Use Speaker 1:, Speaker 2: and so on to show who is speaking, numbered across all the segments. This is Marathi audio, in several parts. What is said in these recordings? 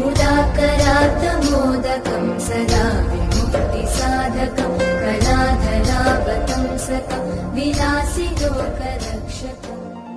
Speaker 1: मुदाकरात् मोदकं सदा विमुक्तिसाधकं कलाधरावतंसकं विलासिलोकरक्षकम्.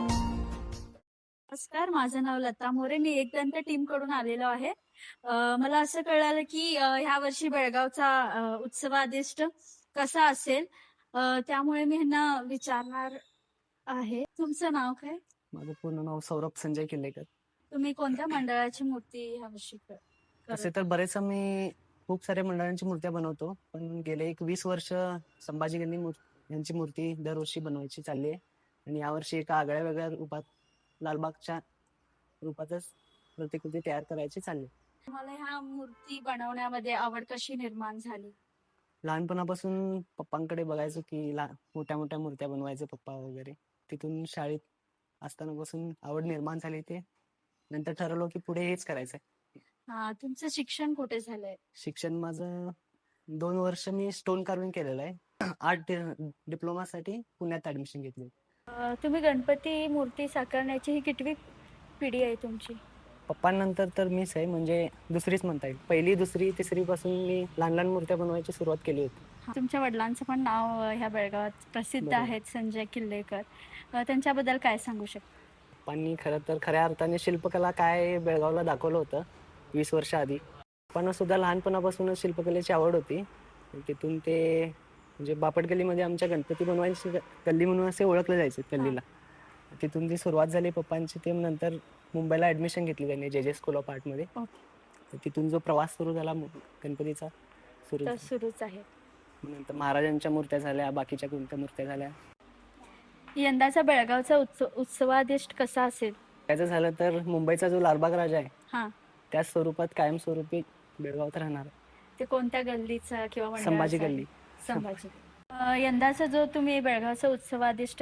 Speaker 2: नमस्कार, माझं नाव लता मोरे. मी एकदंत टीम कडून आलेलो आहे. मला असं कळालं की ह्या वर्षी बेळगावचा उत्सवादिष्ट कसा असेल, त्यामुळे मी ह्यांना विचारणार आहे. तुमचं नाव काय?
Speaker 3: माझं पूर्ण नाव सौरभ संजय किल्लेकर.
Speaker 2: तुम्ही कोणत्या मंडळाची मूर्ती ह्या वर्षी
Speaker 3: तसे तर बरेच आम्ही खूप साऱ्या मंडळांची मूर्त्या बनवतो, पण गेले 20 वर्ष संभाजी गल्ली यांची मूर्ती दरवर्षी बनवायची चालली आहे. आणि यावर्षी एका आगळ्या वेगळ्या रूपात लालबागच्या रूपातच प्रतिकृती तयार करायची चालली.
Speaker 2: तुम्हाला ह्या मूर्ती बनवण्यामध्ये आवड कशी निर्माण झाली?
Speaker 3: लहानपणापासून पप्पांकडे बघायचो की मोठ्या मोठ्या मूर्त्या बनवायचे पप्पा वगैरे. तिथून शाळेत असतानापासून आवड निर्माण झाली. ते नंतर ठरवलं की पुढे हेच करायचंय.
Speaker 2: तुमचं शिक्षण कुठे झालंय?
Speaker 3: शिक्षण माझं 2 वर्ष मी स्टोन कार्विंग केलेलं आहे. आर्ट डिप्लोमासाठी पुण्यात ऍडमिशन घेतली.
Speaker 2: तुम्ही गणपती मूर्ती साकारण्याची ही कितवी पिढी आहे तुमची?
Speaker 3: पप्पांनंतर तर मीच आहे, म्हणजे दुसरीच म्हणता येईल. पहिली, दुसरी, तिसरी पासून मी लहान लहान मूर्त्या बनवायची सुरुवात केली होती.
Speaker 2: तुमच्या वडिलांचं पण नाव ह्या बेळगावात प्रसिद्ध
Speaker 3: बरोबर.
Speaker 2: आहेत, संजय किल्लेकर. त्यांच्याबद्दल काय सांगू शकता?
Speaker 3: पप्पांनी खरं तर खऱ्या अर्थाने शिल्पकला काय बेळगावला दाखवलं होतं 20 वर्ष आधी. पप्पांना सुद्धा लहानपणापासूनच शिल्पकलेची आवड होती. तिथून ते म्हणजे बापट गल्लीमध्ये आमच्या गणपती बनवायची गल्ली म्हणून असे ओळखले जायचे गल्लीला. तिथून जी सुरुवात झाली पप्पांची, ते नंतर मुंबईला ऍडमिशन घेतली त्यांनी जे स्कूल ऑफ आर्टमध्ये. तिथून जो प्रवास सुरू झाला गणपतीचा
Speaker 2: सुरूच आहे.
Speaker 3: नंतर महाराजांच्या मूर्त्या झाल्या, बाकीच्या कोणत्या मूर्त्या झाल्या.
Speaker 2: यंदाचा बेळगावचा उत्सवादिष्ट कसा असेल?
Speaker 3: त्याचं झालं तर मुंबईचा जो लालबाग राजा आहे
Speaker 2: हा,
Speaker 3: त्याच स्वरूपात कायमस्वरूपी बेळगावात राहणार.
Speaker 2: ते कोणत्या गल्लीचा किंवा मंडळाचा
Speaker 3: संभाजी
Speaker 2: आहे?
Speaker 3: गल्ली.
Speaker 2: संभाजी. यंदाचा जो तुम्ही बेळगावचा उत्सवादिष्ट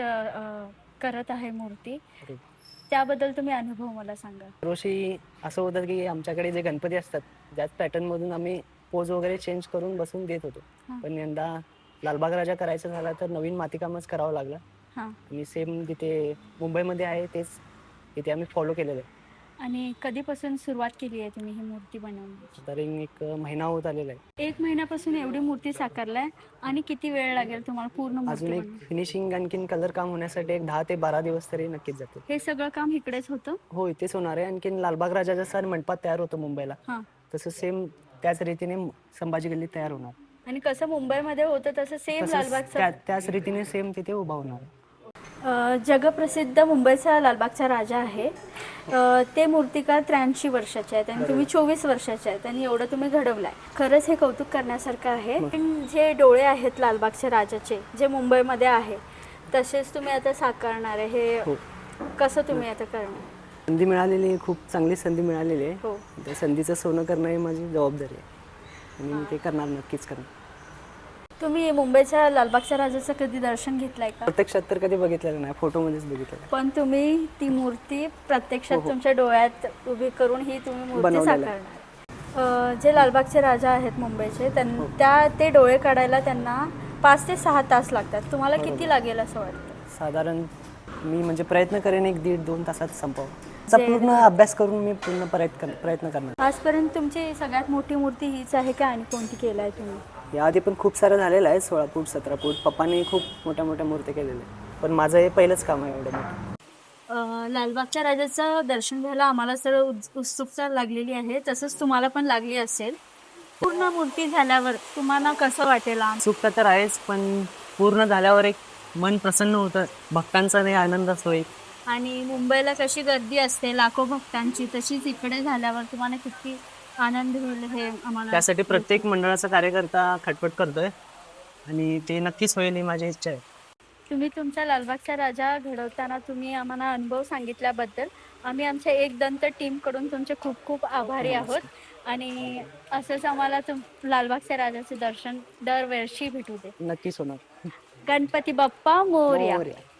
Speaker 2: करत आहे मूर्ती, त्याबद्दल तुम्ही अनुभव मला सांगा.
Speaker 3: दरवर्षी असं होतं की आमच्याकडे जे गणपती असतात त्याच पॅटर्न मधून आम्ही पोज वगैरे चेंज करून बसून देत होतो. पण यंदा लालबाग राजा करायचं झाला तर नवीन मातीकामच करावं लागलं. आणि सेम जिथे मुंबईमध्ये आहे तेच इथे आम्ही फॉलो केलेलं आहे.
Speaker 2: आणि कधीपासून सुरुवात केली आहे तुम्ही ही मूर्ती बनवण्याची?
Speaker 3: तरी 1 महिना होत आलेला आहे.
Speaker 2: 1 महिन्यापासून एवढी मूर्ती साकारलाय. आणि किती वेळ लागेल तुम्हाला पूर्ण मूर्ती
Speaker 3: अजून एक
Speaker 2: बनवायला?
Speaker 3: फिनिशिंग आणखीन कलर काम होण्यासाठी 10 ते 12 दिवस तरी नक्कीच जातील.
Speaker 2: हे सगळं काम इकडेच होतं?
Speaker 3: हो, इथेच होणार आहे. आणखीन लालबाग राजा जसा मंडपात तयार होतो मुंबईला, तसं सेम त्याच रीतीने संभाजी गल्लीत तयार होणार.
Speaker 2: आणि कसं मुंबईमध्ये होतं तसं सेम लालबागचा
Speaker 3: त्याच रीतीने सेम तिथे उभा होणार.
Speaker 2: जगप्रसिद्ध मुंबईचा लालबागचा राजा आहे. ते मूर्तिकार 83 वर्षाचे आहेत आणि तुम्ही 24 वर्षाचे आहेत आणि एवढं तुम्ही घडवलाय. खरंच हे कौतुक करण्यासारखं आहे. पण जे डोळे आहेत लालबागच्या राजाचे, जे मुंबईमध्ये आहे, तसेच तुम्ही आता साकारणार आहे. हे कसं तुम्ही आता करणार?
Speaker 3: संधी मिळालेली आहे, खूप चांगली संधी मिळालेली आहे.
Speaker 2: हो.
Speaker 3: त्या संधीचं सोनं करणं ही माझी जबाबदारी आहे आणि मी ते करणार, नक्कीच करणार.
Speaker 2: तुम्ही मुंबईच्या लालबागच्या राजाचं कधी दर्शन घेतलंय का?
Speaker 3: प्रत्यक्षात तर कधी बघितलेलं नाही, फोटोमध्येच बघितलेलं.
Speaker 2: पण तुम्ही ती मूर्ती प्रत्यक्षात तुमच्या डोळ्यात उभी करून ही तुम्ही मूर्ती साकारणार. जे लालबागचे राजा आहेत मुंबईचे, ते डोळे काढायला त्यांना 5 ते 6 तास लागतात. तुम्हाला किती लागेल असं वाटतं?
Speaker 3: साधारण मी म्हणजे प्रयत्न करेन 1-1.5-2 तासात संपव. पूर्ण अभ्यास करून मी पूर्ण प्रयत्न करणार.
Speaker 2: आजपर्यंत तुमची सगळ्यात मोठी मूर्ती हीच आहे का आणि कोणती केलाय तुम्ही?
Speaker 3: याआधी पण खूप सारं झालेलं आहे, 16 फूट 17 फूट. पप्पांनी खूप मोठ्या मोठ्या मूर्त्या केलेल्या आहेत, पण माझं हे पहिलंच काम आहे एवढं मोठं.
Speaker 2: लालबागच्या राजाचं दर्शन घ्यायला आम्हाला सर्व उत्सुकता लागलेली आहे, तसंच तुम्हाला पण लागली असेल. पूर्ण मूर्ती झाल्यावर तुम्हाला कसं वाटेल?
Speaker 3: उत्सुकता तर आहेच, पण पूर्ण झाल्यावर एक मन प्रसन्न होतं, भक्तांचा नाही आनंद असतो एक.
Speaker 2: आणि मुंबईला कशी गर्दी असते लाखो भक्तांची, तशीच इकडे झाल्यावर तुम्हाला किती आनंद होईल हे आम्हाला.
Speaker 3: त्यासाठी प्रत्येक मंडळाचा कार्यकर्ता खटपट करतोय आणि ते नक्कीच होईल ही माझी इच्छा आहे.
Speaker 2: तुम्ही तुमचा लालबागचा राजा घडवताना तुम्ही आम्हाला अनुभव सांगितल्याबद्दल आम्ही आमच्या एकदंत टीमकडून तुमचे खूप खूप आभारी आहोत. आणि असंच आम्हाला लालबागच्या राजाचे दर्शन दरवर्षी भेटू दे.
Speaker 3: नक्कीच होणार.
Speaker 2: गणपती बाप्पा मोरया.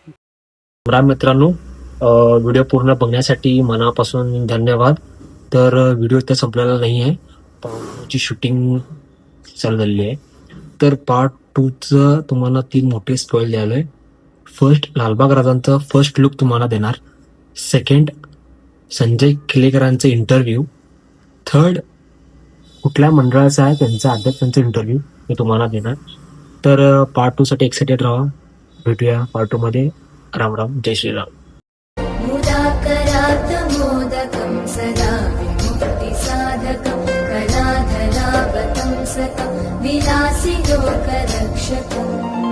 Speaker 4: मित्रांनो, व्हिडिओ पूर्ण बघण्यासाठी मनापासून धन्यवाद. तर व्हिडिओ इथे संपलेला नाही आहे, पार्ट शूटिंग चालू झालेली आहे. तर पार्ट 2चं तुम्हाला 3 मोठे स्पॉइल द्यायला आहे. फर्स्ट, लालबाग राजांचं फर्स्ट लुक तुम्हाला देणार. सेकंड, संजय किल्लेकरांचे इंटरव्ह्यू. थर्ड कुठल्या मंडळाचा आहे त्यांचा अद्याप त्यांचा इंटरव्ह्यू मी तुम्हाला देणार. तर पार्ट 2 साठी एक्साइटेड राहा. भेटूया पार्ट 2 मध्ये. राम राम, जय श्रीराम.
Speaker 1: मुदाकरात् मोदकं सदा विमुक्तिसाधकं कलाधरावतं सकं विलासि लोकरक्षकम्